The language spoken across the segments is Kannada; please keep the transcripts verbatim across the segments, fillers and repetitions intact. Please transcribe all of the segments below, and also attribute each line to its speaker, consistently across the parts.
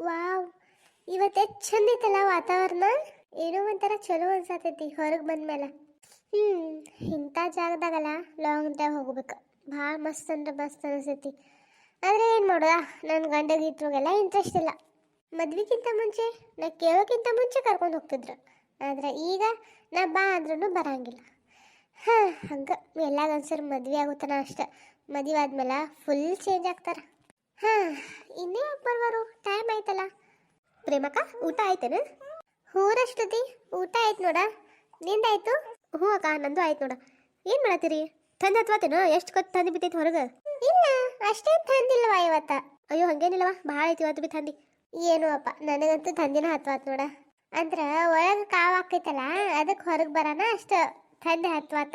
Speaker 1: ವಾವ್, ಇವತ್ತು ಎಷ್ಟು ಚಂದ ಐತಲ್ಲ ವಾತಾವರಣ. ಏನೋ ಒಂಥರ ಚಲೋ ಅನ್ಸತೈತಿ ಹೊರಗೆ ಬಂದ್ಮೇಲೆ. ಹ್ಞೂ ಇಂಥ ಜಾಗದಾಗಲ್ಲ ಲಾಂಗ್ ಡ್ರೈವ್ ಹೋಗ್ಬೇಕು. ಭಾಳ ಮಸ್ತ್ ಅಂದ್ರೆ ಮಸ್ತ್ ಅನಿಸ್ತೈತಿ. ಆದರೆ ಏನು ಮಾಡೋದ, ನನ್ನ ಗಂಡಗೆ ಇದ್ರಾಗೆಲ್ಲ ಇಂಟ್ರೆಸ್ಟ್ ಇಲ್ಲ. ಮದ್ವೆಗಿಂತ ಮುಂಚೆ ನಾ ಕೇಳೋಕ್ಕಿಂತ ಮುಂಚೆ ಕರ್ಕೊಂಡು ಹೋಗ್ತಿದ್ರು. ಆದರೆ ಈಗ ನಾ ಬಾ ಅಂದ್ರೂ ಬರಂಗಿಲ್ಲ. ಹಾಂ ಹಂಗೆ ಎಲ್ಲ ಗಂಡಸರು ಮದ್ವೆ ಆಗುತ್ತಾನ ಅಷ್ಟೆ, ಮದುವೆ ಆದ್ಮೇಲೆ ಫುಲ್ ಚೇಂಜ್ ಆಗ್ತಾರೆ. ಹಾಂ ಇನ್ನೇ ಬರ್ಬಾರು, ಟೈಮ್ ಆಯ್ತಲ್ಲ. ಪ್ರೇಮಕ್ಕ ಊಟ ಆಯ್ತೇನು? ಹೂರಷ್ಟತಿ ಊಟ ಆಯ್ತು ನೋಡ, ನಿಂದಾಯ್ತು? ಹ್ಞೂ ಅಕ್ಕ ನಂದು ಆಯ್ತು ನೋಡ. ಏನು ಮಾಡತ್ತೀರಿ? ತಂದು ಹತ್ವಾತೇನು? ಎಷ್ಟು ಕೊತ್ತು ತಂದು ಬಿತ್ತೈತಿ ಹೊರಗೆ? ಇಲ್ಲ ಅಷ್ಟೇನು ತಂದಿಲ್ಲವಾ ಇವತ್ತ. ಅಯ್ಯೋ ಹಂಗೇನಿಲ್ಲವಾ, ಭಾಳ ಐತಿ ಇವತ್ತು ಬಿ ತಂದು. ಏನು ಅಪ್ಪ ನನಗಂತೂ ತಂದಿನ ಹತ್ವಾತ್ ನೋಡ. ಅಂದ್ರೆ ಒಳಗೆ ಕಾವು ಆಕೈತಲ್ಲ ಅದಕ್ಕೆ ಹೊರಗೆ ಬರೋಣ ಅಷ್ಟು ತಂದೆ ಹತ್ವಾತ.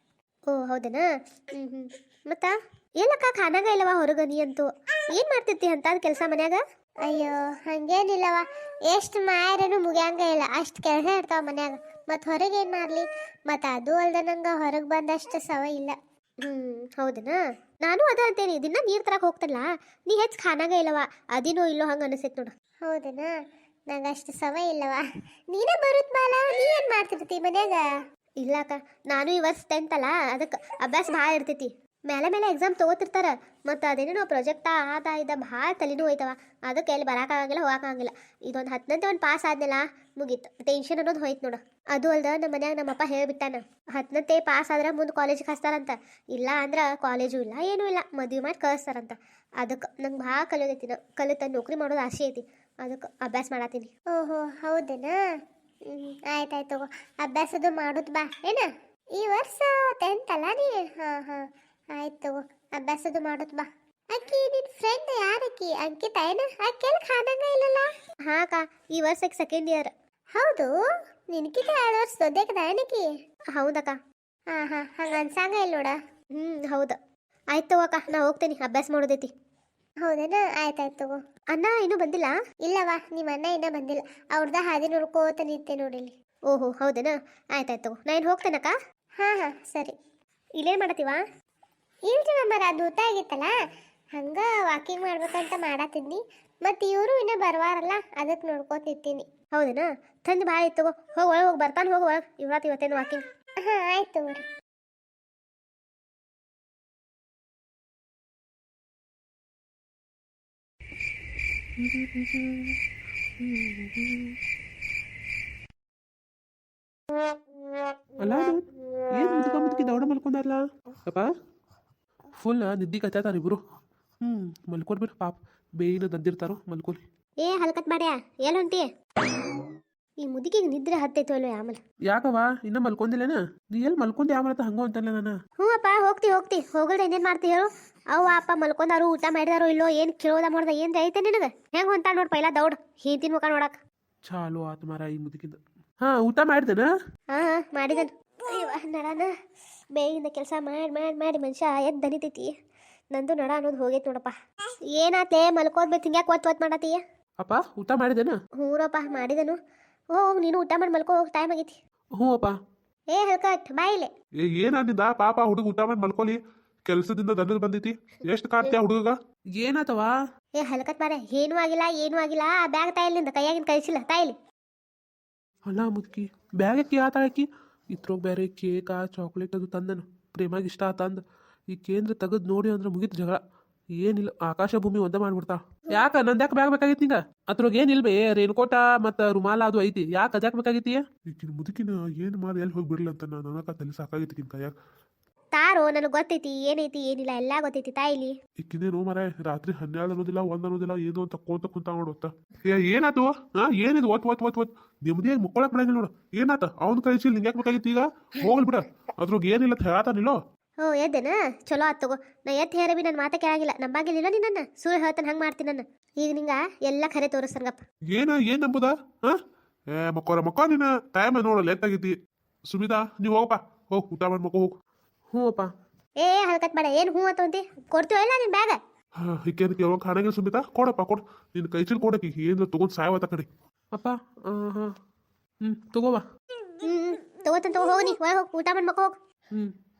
Speaker 1: ಓ ಹೌದೇನಾ? ಹ್ಞೂ ಹ್ಞೂ ಮತ್ತ ಏನಕ್ಕ ಖಾನಾಗ ಇಲ್ಲವಾ ಹೊರಗೆ? ನೀ ಅಂತೂ ಏನು ಮಾಡ್ತಿರ್ತಿ ಅಂತಾದ ಕೆಲಸ ಮನ್ಯಾಗ? ಅಯ್ಯೋ ಹಂಗೇನಿಲ್ಲವ, ಎಷ್ಟು ಮಾಯರೇನು ಮುಗಿಯಂಗ ಇಲ್ಲ, ಅಷ್ಟು ಕೆಲಸ ಇರ್ತಾವ ಮನ್ಯಾಗ. ಮತ್ತು ಹೊರಗೆ ಏನು ಮಾಡಲಿ? ಮತ್ತು ಅದು ಅಲ್ದ ನಂಗೆ ಹೊರಗೆ ಬಂದಷ್ಟು ಸವ ಇಲ್ಲ. ಹ್ಞೂ ಹೌದನಾ? ನಾನು ಅದ ಅಂತೇನಿ, ದಿನ ನೀರು ತರಕ್ಕೆ ಹೋಗ್ತಲ್ಲ, ನೀ ಹೆಚ್ಚು ಖಾನಾಗ ಇಲ್ಲವ, ಅದಿನೋ ಇಲ್ಲೋ ಹಂಗೆ ಅನಿಸೈತೆ ನೋಡು. ಹೌದನಾ? ನಂಗೆ ಅಷ್ಟು ಸವ ಇಲ್ಲವ. ನೀನೇ ಬರುತ್ತ ಬಾಲ, ನೀ ಏನು ಮಾಡ್ತಿರ್ತಿ ಮನ್ಯಾಗ? ಇಲ್ಲ ಅಕ್ಕ, ನಾನು ಈ ವರ್ಷ ಟೆಂತ್ ಅಲ್ಲ, ಅದಕ್ಕೆ ಅಭ್ಯಾಸ ಭಾಳ ಇರ್ತೈತಿ. ಮೇಲೆ ಮೇಲೆ ಎಕ್ಸಾಮ್ ತೊಗೋತಿರ್ತಾರೆ, ಮತ್ತು ಅದೇನೇನೋ ಪ್ರಾಜೆಕ್ಟ ಆದ ಇದ್ದ ಭಾಳ ತಲೆನೂ ಹೋಯ್ತವ. ಅದಕ್ಕೆ ಎಲ್ಲಿ ಬರೋಕ್ಕಾಗಂಗಿಲ್ಲ ಹೋಗೋಕ್ಕಾಗಂಗಿಲ್ಲ. ಇದೊಂದು ಹತ್ತನಂತೆ ಒಂದು ಪಾಸ್ ಆದ್ನಲ್ಲ ಮುಗೀತು, ಟೆನ್ಷನ್ ಅನ್ನೋದು ಹೋಯ್ತು ನೋಡು. ಅದು ಅಲ್ದ ನಮ್ಮ ಮನ್ಯಾಗ ನಮ್ಮಪ್ಪ ಹೇಳಿಬಿಟ್ಟಾನ, ಹತ್ತನಂತೆ ಪಾಸ್ ಆದ್ರೆ ಮುಂದೆ ಕಾಲೇಜಿಗೆ ಹಚ್ತಾರಂತ, ಇಲ್ಲ ಅಂದ್ರೆ ಕಾಲೇಜು ಇಲ್ಲ ಏನೂ ಇಲ್ಲ, ಮದುವೆ ಮಾಡಿ ಕಳಿಸ್ತಾರಂತ. ಅದಕ್ಕೆ ನಂಗೆ ಭಾಳ ಕಲಿಯೋದೈತಿ, ನಾ ಕಲಿತ ನೌಕರಿ ಮಾಡೋದು ಆಸೆ ಐತಿ, ಅದಕ್ಕೆ ಅಭ್ಯಾಸ ಮಾಡತ್ತೀನಿ. ಓಹೋ ಹೌದೇನಾ? ಹ್ಞೂ ಆಯ್ತಾಯ್ತು ತಗೋ, ಅಭ್ಯಾಸದು ಮಾಡೋದು ಬಾ ಏನ. ಈ ವರ್ಷ ಟೆಂತ್ ಅಲ್ಲ ನೀ? ಹಾಂ ಹಾಂ ಆಯ್ತು ತಗೋ, ಅಭ್ಯಾಸದು ಮಾಡೋದು ಬಾ. ಅಕ್ಕಿ ನಿನ್ನ ಫ್ರೆಂಡ್ ಯಾರಕ್ಕಿ? ಅಂಕಿತ ಏನ? ಅಕ್ಕೆಲ್ಲ ಖಾನಾಗ ಇಲ್ಲಲ್ಲ? ಹಾಂ ಅಕ್ಕ, ಈ ವರ್ಷಕ್ಕೆ ಸೆಕೆಂಡ್ ಇಯರ್. ಹೌದು, ನಿನಕಿತ ಎರಡು ವರ್ಷ ದೊಡ್ಡಕದ ಏನಕ್ಕಿ? ಹೌದಕ್ಕ. ಹಾಂ ಹಾಂ ಹಂಗೆ ಅನ್ಸಂಗ ಇಲ್ಲ ನೋಡ. ಹ್ಞೂ ಹೌದು. ಆಯ್ತು ತಗೋ ಅಕ್ಕ, ನಾ ಹೋಗ್ತೇನೆ, ಅಭ್ಯಾಸ ಮಾಡೋದೈತಿ. ಹೌದೇನಾ? ಆಯ್ತಾಯ್ತು ತಗೋ. ಅಣ್ಣ ಇನ್ನೂ ಬಂದಿಲ್ಲ? ಇಲ್ಲವಾ, ನಿಮ್ಮ ಅಣ್ಣ ಇನ್ನೂ ಬಂದಿಲ್ಲ, ಅವ್ರದ ಹಾದಿ ನೋಡ್ಕೋತ ನಿಂತೆ ನೋಡಿಲ್ಲಿ. ಓಹೋ ಹೌದೇನಾ? ಆಯ್ತಾಯ್ತು ತಗೋ, ನಾ ಏನು ಹೋಗ್ತೇನಕ್ಕ? ಹಾಂ ಹಾಂ ಸರಿ. ಇಲ್ಲೇನು ಮಾಡತ್ತೀವ? ಇಲ್ರಿ ಮಮ್ಮರ, ಅದು ಊಟ ಆಗಿತ್ತಲ್ಲ, ಹಂಗೆ ವಾಕಿಂಗ್ ಮಾಡ್ಬೇಕಂತ ಮಾಡತ್ತಿದ್ನಿ. ಮತ್ತು ಇವರು ಇನ್ನೂ ಬರವಾರಲ್ಲ, ಅದಕ್ಕೆ ನೋಡ್ಕೋತಿರ್ತೀನಿ. ಹೌದೇನಾ? ತಂದು ಭಾಳ ಇತ್ತು ತಗೋ, ಹೋಗಿ ಒಳಗೆ ಹೋಗಿ ಬರ್ತಾನೆ, ಹೋಗಿ ಒಳಗೆ ಇವತ್ತು ಇವತ್ತೇನು ವಾಕಿಂಗ್. ಹಾಂ ಆಯ್ತು ತಗೋರಿ.
Speaker 2: ಅಲ್ಲ ಏನು ಮುದುಕ ಮುದುಕಿ ದೌಡ ಮಲ್ಕೊಂಡಾರಲ್ಲ ಅಪ್ಪ, ಫುಲ್ ನಿದ್ದಿ ಕತ್ತಾರ ಇಬ್ರು. ಹ್ಞೂ ಮಲ್ಕೊಳ್ಬಿಡು ಪಾಪ, ಬೇಯಿನ ದಂದಿರ್ತಾರೋ ಮಲ್ಕೊಲಿ.
Speaker 1: ಏ ಹಲ್ಕತ್ ಮಾಡ್ಯಾ, ಎಲ್ಲಿ ಹೊಂಟಿ? ಈ ಮುದುಕಿಗೆ ನಿದ್ರೆ ಹತ್ತೈತೋ ಅಲ್ಲೋ ಆಮೇಲೆ.
Speaker 2: ಯಾಕವ್ವ ಇನ್ನೂ ಮಲ್ಕೊಂಡಿಲ್ಲೇನ? ನೀ ಎಲ್ಲಿ ಮಲ್ಕೊಂಡೆ ಆಮೇಲೆ ಹಂಗ ಅಂತಲ್ಲ ನಾನು.
Speaker 1: ಹ್ಞೂ ಅಪ್ಪ ಹೋಗ್ತಿ ಹೋಗ್ತಿ, ಹೋಗಲ್ದೆ ಇನ್ನೇನು ಮಾಡ್ತಿ ಹೇಳು? ಅವ ಅಪ್ಪ ಮಲ್ಕೊಂಡಾರು, ಊಟ ಮಾಡಿದಾರೋ ಇಲ್ಲೋ, ಏನು ಕೇಳೋದ ಮಾಡ್ದ ಏನು ಐತೆ ನಿನಗೆ? ಹೆಂಗೆ ಹೊಂಟ ನೋಡಿ ಪೈಲ ದೌಡ್ ಹಿಂದಿನ ಮುಖ ನೋಡಕ್ಕೆ.
Speaker 2: ಚಾಲು ಆತು ಮಾರ ಈ ಮುದುಕಿಂದ. ಹಾಂ ಊಟ ಮಾಡಿದೆನ?
Speaker 1: ಹಾಂ ಹಾಂ ಮಾಡಿದನು. ಅಯ್ಯವ ನಡಾನ ಬೇಯಿಂದ ಕೆಲಸ ಮಾಡಿ ಮಾಡಿ ಮಾಡಿ ಮನುಷ್ಯ ಎದ್ದು ದನಿತೈತಿ. ನಂದು ನಡ ಅನ್ನೋದು ಹೋಗೈತಿ ನೋಡಪ್ಪ. ಏನಾತೇ ಮಲ್ಕೋದ್ಬೇಕು ಹಿಂಗ್ಯಾಕೆ ಒತ್ತು ಒತ್ತು ಮಾಡತ್ತೀಯ?
Speaker 2: ಅಪ್ಪ ಊಟ ಮಾಡಿದೆನ?
Speaker 1: ಹ್ಞೂರಪ್ಪ ಮಾಡಿದನು. ಹೋಗಿ ನೀನು ಊಟ ಮಾಡಿ ಮಲ್ಕೋ, ಹೋಗಿ ಟೈಮ್ ಆಗೈತಿ.
Speaker 2: ಹ್ಞೂ ಅಪ್ಪ.
Speaker 1: ಏ ಹೇಳ್ಕಟ್ ಬಾಯಿಲೆ.
Speaker 2: ಏ ಏನಾದಿದ್ದ ಪಾಪ ಹುಡುಗ ಊಟ ಮಾಡಿ ಮಲ್ಕೊಲಿ, ಕೆಲಸದಿಂದ ದಂಡದ ಬಂದೈತಿ. ಎಷ್ಟು ಕಾಡ್ತೀಯ ಹುಡುಗ? ಏನಾತವ?
Speaker 1: ಏ ಹಲ್ಕತ್ ಮಾರೆ, ಏನೂ ಆಗಿಲ್ಲ ಏನೂ ಆಗಿಲ್ಲ. ಆ ಬ್ಯಾಗ್ ತಾಯಿಲಿಂದ ಕೈಯಾಗಿನ ಕಳಿಸಿಲ್ಲ ತಾಯಿಲಿ.
Speaker 2: ಅಲ್ಲ ಮುದುಕಿ ಬ್ಯಾಗಕ್ಕೆ ಆತಾಳಕಿ ಇತ್ರೋಗ ಬೇರೆ ಕೇಕ ಚಾಕ್ಲೇಟ್ ಅದು ತಂದನು, ಪ್ರೇಮಾಗ ಇಷ್ಟ ಆತಂದು. ಈ ಕೇಂದ್ರ ತೆಗೆದು ನೋಡಿ ಅಂದ್ರೆ ಮುಗಿತು ಜಗಳ. ಏನಿಲ್ಲ, ಆಕಾಶ ಭೂಮಿ ಒಂದ ಮಾಡ್ಬಿಡ್ತಾ. ಯಾಕ ನಂದು ಯಾಕೆ ಬ್ಯಾಗ್ ಬೇಕಾಗಿತ್ತು ನಿಂಗ? ಅದ್ರಾಗ ಏನಿಲ್ಲ ಬೇ, ರೇನ್ಕೋಟ ಮತ್ತು ರುಮಾಲ ಅದು ಐತಿ, ಯಾಕೆ ಅದ್ಯಾಕೆ ಬೇಕಾಗಿತ್ತೀಯ? ಈಕಿನ ಮುದುಕಿನ ಏನು ಮಾಡಿ ಎಲ್ಲಿ ಹೋಗಿ ಬಿಡ್ಲಿ ಅಂತ ನಾನು ನನಕ ತಲೆ ಸಾಕಾಗಿತ್ತು ಈಕಿನ ಕೈಯಾಗ.
Speaker 1: ತಾರೋ ನನಗೆ ಗೊತ್ತೈತಿ ಏನೈತಿ ಏನಿಲ್ಲ ಎಲ್ಲ ಗೊತ್ತೈತಿ ತಾಯಿಲಿ.
Speaker 2: ಈಕಿನೇನು ಮರ ರಾತ್ರಿ ಹನ್ನೆರಡು ಅನ್ನೋದಿಲ್ಲ ಒಂದ್ ಅನ್ನೋದಿಲ್ಲ ಏನು ಅಂತ ಕೋಂತ ಕುಂತ ನೋಡುತ್ತ. ಏ ಏನಾತು? ಹಾ ಏನಿದು ಒತ್ ಒತ್ ಒತ್ ಒತ್ ನಿಮ್ದೇ ಮುಕ್ಕೊಳಕ್ ಬಿಡಂಗಿಲ್ಲ ನೋಡು. ಏನಾತ ಅವ್ನ ಕಳಿಸಿ ನಿಂಗೆ ಯಾಕೆ ಬೇಕಾಗಿತ್ತು ಈಗ? ಹೋಗ್ಲಿ ಬಿಡ, ಅದ್ರಾಗ ಏನಿಲ್ಲ ಅಂತ ಹೇಳತಾನಿಲ್ಲೋ.
Speaker 1: ಓ ಎದ್ದೇನ ಚಲೋ ಆತ್ ತಗೋ. ನಾ ಎದ್ದು ಹೇರ ಬಿ ನನ್ನ ಮಾತೆ ಕೇಳಾಗಿಲ್ಲ, ನಂಬಾಗಿಲ್ಲ ನೀ ನನ್ನ ಸುಳ್ಳು ಹೇಳ್ತಾನೆ ಹಂಗೆ ಮಾಡ್ತೀನಿ ನನ್ನ. ಈಗ ನಿಂಗ ಎಲ್ಲ ಖರೆ ತೋರಿಸ್ತಾನಗಪ್ಪ.
Speaker 2: ಏನ ಏನ್ ನಂಬುದ? ಹಾ ಏ ಮಕ್ಕೋರ ಮಕ್ಕೋ ನಿನ್ನ ಟೈಮ್ ನೋಡ ಲೇಟ್ ಆಗೈತಿ. ಸುಮಿತಾ ನೀವು ಹೋಗಪ್ಪ, ಹೋಗ್ ಊಟ ಮಾಡಿ ಮಕ್ಕೋ ಹೋಗು. ಹ್ಞೂ ಅಪ್ಪ.
Speaker 1: ಏ ಹಲ್ಕತ್ ಬೇಡ, ಏನು ಹ್ಞೂ ಅಂತಂತಿ? ಕೊಡ್ತೀವ ಇಲ್ಲ ನಿನ್ನ ಬ್ಯಾಗ?
Speaker 2: ಹಾಂ ಈಕೇನು ಕೇಳೋ ಕಾಣಂಗಿಲ್ಲ ಸುಮಿತಾ, ಕೊಡಪ್ಪ ಕೊಡು, ನಿನ್ನ ಕೈ ಚೀಲ ಕೊಡಕಿ ಏನು ತೊಗೊಂಡು ಸಾಯವತ್ತ ಕಡೆ. ಅಪ್ಪ ಹಾಂ ಹ್ಞೂ ತಗೋವಾ.
Speaker 1: ಹ್ಞೂ ಹ್ಞೂ ತಗೋತಂತ ತಗೋ, ಹೋಗಿ ನೀ ಒಳಗೆ ಹೋಗಿ ಊಟ ಮಾಡಿ ಮಕ್ಕೋ ಹೋಗಿ.
Speaker 2: ಹ್ಞೂ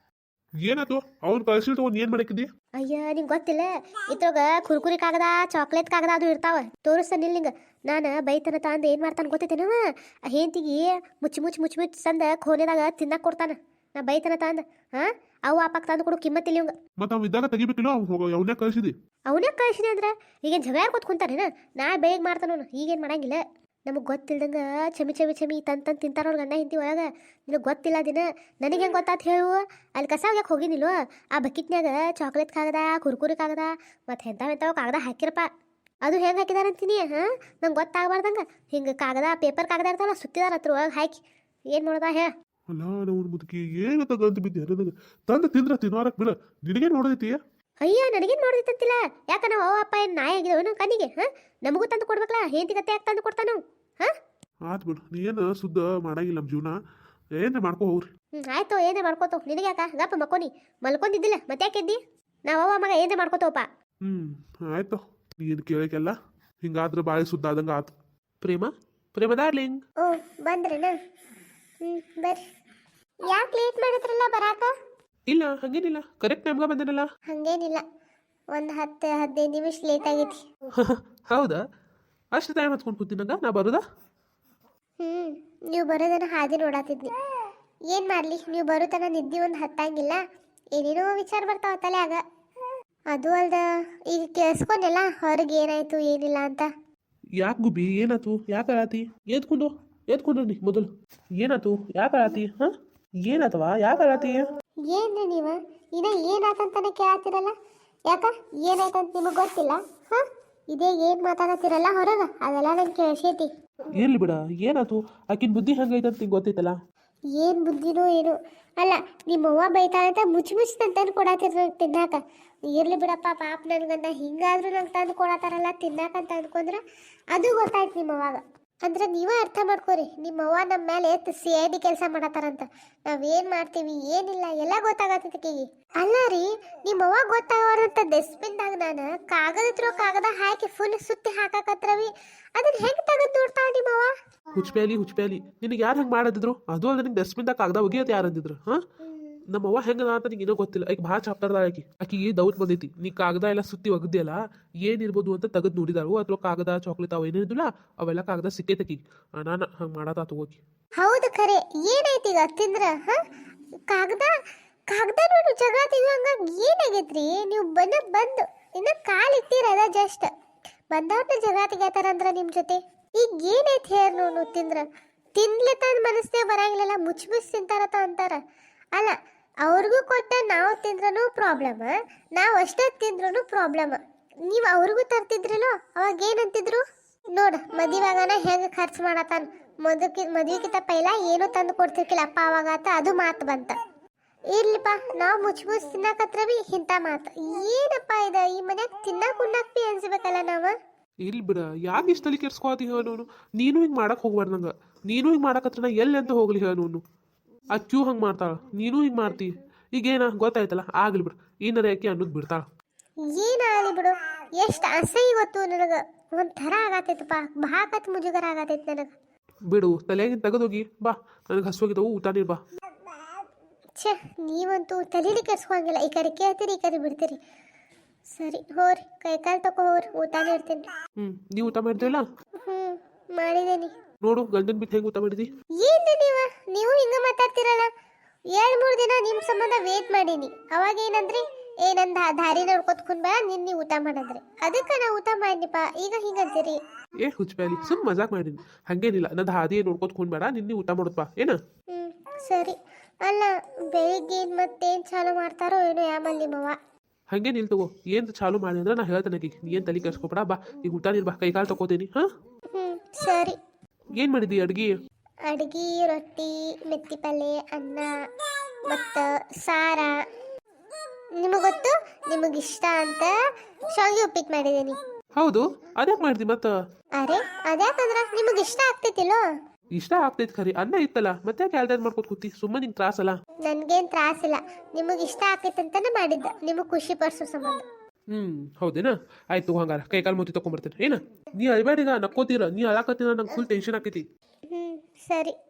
Speaker 2: ಏನಾಯ್ತು ಅವ್ನು ಕಳ್ಸಿಲ್ ತಗೊಂಡು ಏನು ಮಾಡಕ್ಕಿದ್ದಿ
Speaker 1: ಅಯ್ಯ ನಿಂಗೆ ಗೊತ್ತಿಲ್ಲ ಇದ್ರೊಳಗ ಕುರ್ಕುರಿ ಕಾಗದ ಚಾಕ್ಲೇಟ್ ಕಾಗದ ಅದು ಇರ್ತಾವ ತೋರಿಸ್ತಾನೆ ಇಲ್ಲಿ ನಿಂಗೆ ನಾನು ಬೈತನ ತಂದು ಏನು ಮಾಡ್ತಾನೆ ಗೊತ್ತೈತೇನವ ಆ ಹೆಂಡತಿಗೆ ಮುಚ್ಚಿ ಮುಚ್ಚಿ ಮುಚ್ಚಿ ಮುಚ್ಚಿ ಸಂದ ಖೋನೆದಾಗ ತಿನ್ನಕ್ಕೆ ಕೊಡ್ತಾನೆ ನಾ ಬೈತನ ತಂದು ಹಾಂ ಅವು ಆಪಾಕ್ ತಂದು ಕೊಡು ಕಿಮ್ಮತ್ತಿಲ್ಲ ಇವಂಗ
Speaker 2: ಮತ್ತೆ ಅವ್ನು ಇದ್ದಾಗ ತೆಗಿಬೇಕಿಲ್ಲ ಅವ್ನು ಹೋಗೋ ಅವನೇ ಕಳ್ಸಿದಿ
Speaker 1: ಅವನೇ ಕಳಿಸಿದೆ ಅಂದ್ರೆ ಈಗೇನು ಜಗಳ ಕೂತ್ಕೊಂತಾನೇನ ನಾ ಬೇಗ ಮಾಡ್ತಾನವನು ಈಗೇನು ಮಾಡಂಗಿಲ್ಲ ನಮಗೆ ಗೊತ್ತಿಲ್ದಂಗೆ ಚಮಿ ಚಮಿ ಚಮಿ ತಂದು ತಂದು ತಿಂತಾರವ್ರು ಗಂಡ ಹಿಂತಿ ಒಳಗೆ ನಿನಗೆ ಗೊತ್ತಿಲ್ಲ ದಿನ ನನಗೆ ಹೆಂಗೆ ಗೊತ್ತಾತ್ ಹೇಳು ಅಲ್ಲಿ ಕಸ ಯಾಕೆ ಹೋಗಿನಿಲ್ವ ಆ ಬಕೆಟ್ನ್ಯಾಗ ಚಾಕ್ಲೇಟ್ ಕಾಗದ ಕುರ್ಕುರಿ ಕಾಗದ ಮತ್ತು ಎಂಥವು ಎಂಥವು ಕಾಗದ ಹಾಕಿರಪ್ಪ ಅದು ಹೆಂಗೆ ಹಾಕಿದಾರೆ ಅಂತೀನಿ ಹಾಂ ನಂಗೆ ಗೊತ್ತಾಗಬಾರ್ದಂಗೆ ಹಿಂಗೆ ಕಾಗದ ಪೇಪರ್ ಕಾಗದ ಇರ್ತಾವಲ್ಲ ಸುತ್ತಿದಾರ ಹತ್ರ ಒಳಗೆ ಹಾಕಿ ಏನು ಮಾಡೋದ ಹೇಳ
Speaker 2: ಅಲ್ಲ ನಾವು ಮುದುಕಿ ಏನು ತಗಂತ ಬಿದ್ದೆ ನನಗೆ ತಂದು ತಿಂದ್ರೆ ತಿನ್ನೋರಕ್ಕೆ ಬಿಡ ನಿನಗೇನು ನೋಡೋದೈತಿ
Speaker 1: ಅಯ್ಯ ನನಗೇನು ನೋಡಿದಂತಿಲ್ಲ ಯಾಕೆ ನಾವು ಅವ ಅಪ್ಪ ಏನು ನಾಯಿ ಆಗಿದವನು ಕಣ್ಣಿಗೆ ಹಾಂ ನಮಗೂ ತಂದು ಕೊಡ್ಬೇಕಲ್ಲ ಹೆಂಡತಿಗತ್ತೆ ಯಾಕೆ ತಂದು ಕೊಡ್ತಾನು ಹಾಂ
Speaker 2: ಆತು ಬಿಡು ನೀನು ಶುದ್ಧ ಮಾಡಂಗಿಲ್ಲ ನಮ್ಮ ಜೀವನ ಏನ್ರಿ ಮಾಡ್ಕೋ ಹೋಗ್ರಿ
Speaker 1: ಹ್ಞೂ ಆಯ್ತು ಏನೇ ಮಾಡ್ಕೋತಾವ ನಿನಗೆ ಯಾಕ ಗಪ್ಪ ಮಕ್ಕೋನಿ ಮಲ್ಕೊಂಡಿದ್ದಿಲ್ಲ ಮತ್ತೆ ಯಾಕೆ ಎದ್ದಿ ನಾವು ಅವ್ವ ಮಗ ಏನೇ ಮಾಡ್ಕೋತಾವಪ್ಪ
Speaker 2: ಹ್ಞೂ ಆಯ್ತು ನೀನು ಕೇಳಕ್ಕೆಲ್ಲ ಹಿಂಗಾದ್ರೆ ಬಾಳೆ ಶುದ್ಧ ಆದಂಗೆ ಆತು ಪ್ರೇಮ ಪ್ರೇಮ ಡಾರ್ಲಿಂಗ್
Speaker 1: ಓ ಬಂದ್ರೇನ ಹ್ಞೂ ಬರ್ರಿ ಯಾಕೆ ಲೇಟ್ ಮಾಡಿದ್ರಲ್ಲ ಬರಾಕ
Speaker 2: ಇಲ್ಲ ಹಂಗೇನಿಲ್ಲ ಕರೆಕ್ಟ್ ಟೈಮ್ಗೆ ಬಂದೇನಲ್ಲ
Speaker 1: ಹಂಗೇನಿಲ್ಲ ಒಂದು ಹತ್ತು ಹದಿನೈದು ನಿಮಿಷ ಲೇಟ್ ಆಗೈತಿ
Speaker 2: ಹೌದಾ ಅಷ್ಟು ಟೈಮ್ ಹಚ್ಕೊಂಡು ಕೂತಿನಂಗ ನಾ ಬರೋದಾ
Speaker 1: ಹ್ಞೂ ನೀವು ಬರೋದನ್ನ ಹಾದಿ ನೋಡಾತಿದ್ನಿ ಏನು ಮಾಡಲಿ ನೀವು ಬರೋ ತನಕ ನಿದ್ದೆ ಒಂದು ಹತ್ತಂಗಿಲ್ಲ ಏನೇನೋ ವಿಚಾರ ಬರ್ತಾವ ತಲೆಯಾಗ ಅದು ಅಲ್ದ ಈಗ ಕೇಳಿಸ್ಕೊಂಡೆಲ್ಲ ಹೊರಗೆ ಏನಾಯ್ತು ಏನಿಲ್ಲ ಅಂತ
Speaker 2: ಯಾಕೆ ಗುಬ್ಬಿ ಏನಾತು ಯಾಕೆ ಅಳಾತಿ ಎದ್ಕೊಂಡು ಎದ್ಕೊಂಡು ನೀ ಮೊದಲು ಏನಾತು ಯಾಕೆ ಅಳಾತಿ ಹಾಂ ಏನಾತವ ಯಾಕೆ ಅಳಾತಿ
Speaker 1: ಏನ್ರಿ ನೀವು ಇನ್ನ ಏನಾತಂತಾನೆ ಕೇಳತ್ತೀರಲ್ಲ ಯಾಕ ಏನಾಯ್ತಂತ ನಿಮಗೆ ಗೊತ್ತಿಲ್ಲ ಹಾಂ ಇದೇ ಏನು ಮಾತಾಡತ್ತೀರಲ್ಲ ಹೊರಗೆ ಅದೆಲ್ಲ ನಂಗೆ ಕೇಳಿಸೈತಿ
Speaker 2: ಇರ್ಲಿ ಬಿಡ ಏನಾತು ಆಕಿನ ಬುದ್ಧಿ ಹಂಗೈತೆ ಅಂತ ನಿಂಗೆ ಗೊತ್ತೈತಲ್ಲ
Speaker 1: ಏನು ಬುದ್ಧಿನೋ ಏನು ಅಲ್ಲ ನಿಮ್ಮವ್ವ ಬೈತಾಳಂತ ಮುಚ್ಚಿ ಮುಚ್ಚಿ ನಾನು ತಂದು ಕೊಡತ್ತಿರ ತಿನ್ನಾಕ ಇರ್ಲಿ ಬಿಡಪ್ಪ ಪಾಪ ನನಗಂತ ಹಿಂಗಾದ್ರೂ ನಂಗೆ ತಂದು ಕೊಡತ್ತಾರಲ್ಲ ತಿನ್ನಾಕಂತ ಅಂದ್ಕೊಂಡ್ರೆ ಅದು ಗೊತ್ತಾಯ್ತು ನಿಮ್ಮವ್ವಾಗ ಅಂದ್ರೆ ನೀವೇ ಅರ್ಥ ಮಾಡ್ಕೋರಿ ನಿಮ್ಮವ್ವ ನಮ್ಮ ಮೇಲೆ ಎತ್ತು ಸಿ ಐ ಡಿ ಕೆಲಸ ಮಾಡತ್ತಾರಂತ ನಾವೇನು ಮಾಡ್ತೀವಿ ಏನಿಲ್ಲ ಎಲ್ಲ ಗೊತ್ತಾಗತ್ತೈತಿಗೆ ಅಲ್ಲ ರೀ ನಿಮ್ಮವ್ವ ಗೊತ್ತಾಗವಾರಂತ ಡಸ್ಟ್ಬಿನ್ದಾಗ ನಾನು ಕಾಗದ ತ್ರೋ ಕಾಗದ ಹಾಕಿ ಫುಲ್ ಸುತ್ತಿ ಹಾಕಾಕತ್ರವಿ ಅದನ್ನ ಹೆಂಗೆ ತೆಗೆದು ನೋಡ್ತಾಳ ನಿಮ್ಮವ್ವ
Speaker 2: ಹುಚ್ಚಪ್ಯಾಲಿ ಹುಚ್ಚಪ್ಯಾಲಿ ನಿನಗೆ ಯಾರು ಹಂಗೆ ಮಾಡಿದ್ರು ಅದು ಅಲ್ಲ ನಿಂಗೆ ಡಸ್ಟ್ಬಿನ್ದಾಗ ಕಾಗದ ಒಗಿಯೋದು ಯಾರು ಅಂದಿದ್ರು ಹಾಂ ನಮ್ಮವ್ವ ಹೆಂಗೆ ಅಂತ ನಿಂಗೆ ಏನೋ ಗೊತ್ತಿಲ್ಲ ಆಕೆ ಭಾಳ ಚಾಪ್ಟರ್ದ ಆಕಿ ಆಕಿಗೆ ಡೌಟ್ ಬಂದೈತಿ ನೀ ಕಾಗದ ಎಲ್ಲ ಸುತ್ತಿ ಒಗದಿಯಲ್ಲ ಏನಿರ್ಬೋದು ಅಂತ ತೆಗೆದು ನೋಡಿದಾಳು ಅದ್ರ ಕಾಗದ ಚಾಕ್ಲೇಟ್ ಅವು ಏನಿದ್ದಿಲ್ಲ ಅವೆಲ್ಲ ಕಾಗದ ಸಿಕ್ಕೈತಕಿ ನಾನು ಹಂಗೆ ಮಾಡತ್ತ ತಗೋಕಿ
Speaker 1: ಹೌದು ಖರೆ ಏನೈತಿ ಈಗ ತಿಂದ್ರ ಹ ಕಾಗದ ಕಾಗದ ನೋಡು ಜಗಳ ತೆಗಿಯೋಂಗ ಏನಾಗೈತ್ರಿ ನೀವು ಬಂದ ಬಂದು ಇನ್ನ ಕಾಲ್ ಇಟ್ಟಿರದ ಜಸ್ಟ್ ಬಂದವ್ರನ್ನ ಜಗಳ ತೆಗಿತಾರಂದ್ರ ನಿಮ್ ಜೊತೆ ಈಗ ಏನೈತಿ ಹೇರ್ ನೋಡು ತಿಂದ್ರ ತಿನ್ಲಿತ್ತ ಮನಸ್ಸೇ ಬರಂಗಿಲ್ಲ ಮುಚ್ಚಿ ಮುಚ್ಚಿ ತಿಂತಾರತ ಅಂತಾರ ಅಲ್ಲ ಅವ್ರಿಗೂ ಕೊಟ್ಟ ನಾವು ತಿಂದ್ರೂ ಪ್ರಾಬ್ಲಮ್ ನಾವು ಅಷ್ಟೇ ತಿಂದ್ರೂ ಪ್ರಾಬ್ಲಮ್ ನೀವು ಅವ್ರಿಗೂ ತರ್ತಿದ್ರಲ್ಲೋ ಅವಾಗ ಏನಂತಿದ್ರು ನೋಡ ಮದುವೆಗಾನ ಹೆಂಗೆ ಖರ್ಚು ಮಾಡತ್ತಾನ ಮದುವೆ ಮದುವೆಗಿಂತ ಪೈಲ ಏನೂ ತಂದು ಕೊಡ್ತಿರ್ಕಿಲ್ಲ ಅಪ್ಪ ಅವಾಗಾತ ಅದು ಮಾತು ಬಂತ ಇರ್ಲಿಪ್ಪ ನಾವು ಮುಚ್ಚಿ ಮುಚ್ಚಿ ತಿನ್ನಕತ್ರ ಬಿ ಇಂಥ ಮಾತು ಏನಪ್ಪ ಇದ ಈ ಮನ್ಯಾಗ ತಿನ್ನಕ್ ಉಣ್ಣಕ್ ಬಿ ಅನ್ಸ್ಬೇಕಲ್ಲ ನಾವು
Speaker 2: ಇಲ್ಲಿ ಬಿಡ ಯಾಕೆ ಇಷ್ಟು ತಲೆ ಕೆಡ್ಸ್ಕೋತಿ ಹೇಳೋನು ನೀನು ಹಿಂಗೆ ಮಾಡಕ್ಕೆ ಹೋಗ್ಬಾರ್ದು ನಂಗೆ ನೀನು ಹಿಂಗೆ ಮಾಡಕತ್ರ ನಾ ಎಲ್ಲಿ ಅಂತ ಹೋಗ್ಲಿ ಹೇಳೋನು ಆ ಕ್ಯೂ ಹಂಗೆ ಮಾಡ್ತಾಳ ನೀನು ಹಿಂಗೆ ಮಾಡ್ತಿ ಈಗೇನ ಗೊತ್ತಾಯ್ತಲ್ಲ ಆಗ್ಲಿ ಬಿಡು ಏನಾರ ಯಾಕೆ ಅನ್ನೋದು ಬಿಡ್ತಾಳ
Speaker 1: ಏನಾಗಲಿ ಬಿಡು ಎಷ್ಟು ಅಸಹ್ಯ ಗೊತ್ತು ನನಗೆ ಒಂಥರ ಆಗತೈತಪ್ಪ ಭಾಕತ್ ಮುಜುಗರ ಆಗತೈತಿ ನನಗೆ
Speaker 2: ಬಿಡು ತಲೆಯಾಗಿನ ತೆಗೆದೋಗಿ ಬಾ ನನಗೆ ಹಸುವಾಗಿದ್ದವು ಊಟ ನೀರು ಬಾ
Speaker 1: ಛೇ ನೀವಂತೂ ತಲೆಲಿ ಕೆಡ್ಸ್ಕೊಂಗಿಲ್ಲ ಈ ಕಡೆ ಕೇಳ್ತೀರಿ ಈ ಕಡೆ ಬಿಡ್ತೀರಿ ಸರಿ ಹೋರಿ ಕೈಕಾಲು ತಗೋ ಹೋರಿ ಊಟ ನೀಡ್ತೀನಿ
Speaker 2: ಹ್ಞೂ ನೀವು ಊಟ ಮಾಡಿದ್ರಲ್ಲ
Speaker 1: ಹ್ಞೂ ಮಾಡಿದ್ದೀನಿ
Speaker 2: ನೋಡು ಗಂಡನ ಬಿಟ್ಟು ಹೆಂಗೆ ಊಟ ಮಾಡಿದಿ
Speaker 1: ಏನು ನೀವು ನೀವು ಹಿಂಗೆ ಮಾತಾಡ್ತೀರಲ್ಲ ಎರಡು ಮೂರು ದಿನ ನಿಮ್ಮ ಸಂಬಂಧ ವೇಟ್ ಮಾಡೀನಿ ಅವಾಗ ಏನಂದ್ರಿ ಏ ನನ್ನ ದಾರಿ ನೋಡ್ಕೊತ ಕುಂದ ನಿನ್ನೆ ಊಟ ಮಾಡಿದ್ರಿ ಅದಕ್ಕೆ ನಾ ಊಟ ಮಾಡಿನಿಪ್ಪ ಈಗ ಹಿಂಗಂತೀರಿ
Speaker 2: ಏ ಹುಚ್ಚಪ್ಯಾಲಿ ಸುಮ್ಮ ಮಜಾಕ್ ಮಾಡೀನಿ ಹಂಗೇನಿಲ್ಲ ನನ್ನ ಹಾದಿ ನೋಡ್ಕೊತ ಕುಂದ್ಬೇಡ ನಿನ್ನೆ ಊಟ ಮಾಡೋದಪ್ಪ ಏನ
Speaker 1: ಹ್ಞೂ ಸರಿ ಅಲ್ಲ ಬೆಳಿಗ್ಗೆ ಮತ್ತೇನು ಚಾಲು ಮಾಡ್ತಾರೋ ಏನೋ ಯಾಮಲ್ಲಿ ನಿಮ್ಮವ್ವ
Speaker 2: ಹಂಗೇನಿಲ್ಲ ತಗೋ ಏನು ಚಾಲು ಮಾಡಿ ಅಂದ್ರೆ ನಾ ಹೇಳ್ತೇನೆ ಈಗ ನೀ ಏನು ತಲೆ ಕೆಡ್ಸ್ಕೊಬೇಡ ಬಾ ಈಗ ಊಟ ನೀರು ಬಾ ಕೈಕಾಲು ತಗೋತೀನಿ ಹಾಂ
Speaker 1: ಹ್ಞೂ ಸರಿ
Speaker 2: ಏನು ಮಾಡಿದಿ ಅಡ್ಗೆ
Speaker 1: ಅಡ್ಗೆ ರೊಟ್ಟಿ ಮೆತ್ತಿ ಪಲ್ಯ ಅನ್ನ ಮತ್ತು ಸಾರ ನಿಮಗೆ ಗೊತ್ತು ನಿಮಗಿಷ್ಟ ಅಂತ ಶಾವಿಗೆ ಉಪ್ಪಿಟ್ಟು ಮಾಡಿದ್ದೀನಿ
Speaker 2: ಹೌದು ಅದ್ಯಾಕೆ ಮಾಡಿದಿ ಮತ್ತೆ
Speaker 1: ಅರೆ ಅದ್ಯಾಕಂದ್ರೆ ನಿಮಗೆ ಇಷ್ಟ ಆಗ್ತೈತಿಲ್ಲೋ
Speaker 2: ಇಷ್ಟ ಆಗ್ತೈತಿ ಖರಿ ಅನ್ನ ಇತ್ತಲ್ಲ ಮತ್ತೆ ಯಾಕೆ ಯಾವ್ದಾದ್ರು ಮಾಡ್ಕೊತ ಕೂತಿ ಸುಮ್ಮನೆ ನಿಂಗೆ ತ್ರಾಸಲ್ಲ
Speaker 1: ನನ್ಗೇನು ತ್ರಾಸಿಲ್ಲ ನಿಮಗೆ ಇಷ್ಟ ಆಗ್ತೈತೆ ಅಂತಾನೆ ಮಾಡಿದ್ದ ನಿಮಗೆ ಖುಷಿ ಪಡಿಸೋ ಸಂಬಂಧ
Speaker 2: ಹ್ಮ್ ಹೌದೇನಾ ಆಯ್ತು ಹಂಗಾರ ಕೈ ಕಾಲು ಮೂತಿ ತಗೊಂಬರ್ತೇನೆ ಏನ ನೀ ಅಳ್ಬೇಡ ಈಗ ನಕ್ಕೋತೀರ ನೀ ಅಳಾಕತ್ತೀರ ನಂಗೆ ಫುಲ್ ಟೆನ್ಷನ್ ಆಕೈತಿ
Speaker 1: ಹ್ಞೂ ಸರಿ